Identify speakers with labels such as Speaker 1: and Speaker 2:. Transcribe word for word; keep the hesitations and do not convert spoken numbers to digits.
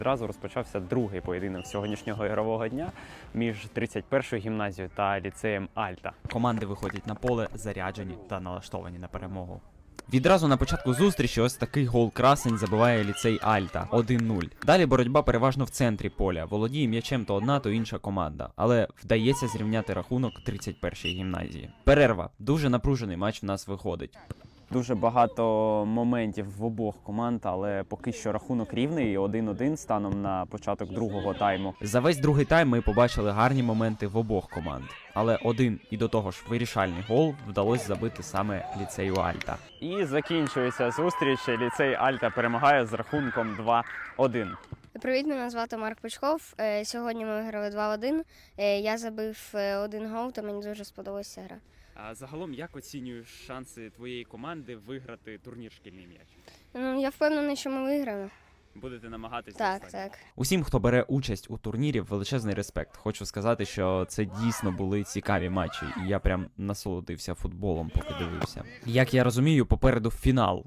Speaker 1: Одразу розпочався другий поєдинок сьогоднішнього ігрового дня між тридцять першою гімназією та ліцеєм Альта.
Speaker 2: Команди виходять на поле заряджені та налаштовані на перемогу. Відразу на початку зустрічі ось такий гол красень забиває ліцей Альта один нуль. Далі боротьба переважно в центрі поля. Володіє м'ячем то одна, то інша команда. Але вдається зрівняти рахунок тридцять першій гімназії. Перерва. Дуже напружений матч в нас виходить.
Speaker 1: Дуже багато моментів в обох команд, але поки що рахунок рівний один один станом на початок другого тайму.
Speaker 2: За весь другий тайм ми побачили гарні моменти в обох команд. Але один і до того ж вирішальний гол вдалося забити саме ліцею Альта.
Speaker 1: І закінчується зустріч. Ліцей Альта перемагає з рахунком два один.
Speaker 3: Привіт, мене звати Марк Пучков. Е, Сьогодні ми виграли два один. Е, Я забив е, один гол, та мені дуже сподобалася гра.
Speaker 2: А загалом, як оцінюєш шанси твоєї команди виграти турнір «Шкільний м'яч»?
Speaker 3: Ну, я впевнений, що ми виграємо.
Speaker 2: Будете намагатися?
Speaker 3: Так, так.
Speaker 2: Усім, хто бере участь у турнірі, величезний респект. Хочу сказати, що це дійсно були цікаві матчі, і я прям насолодився футболом, поки дивився. Як я розумію, попереду фінал.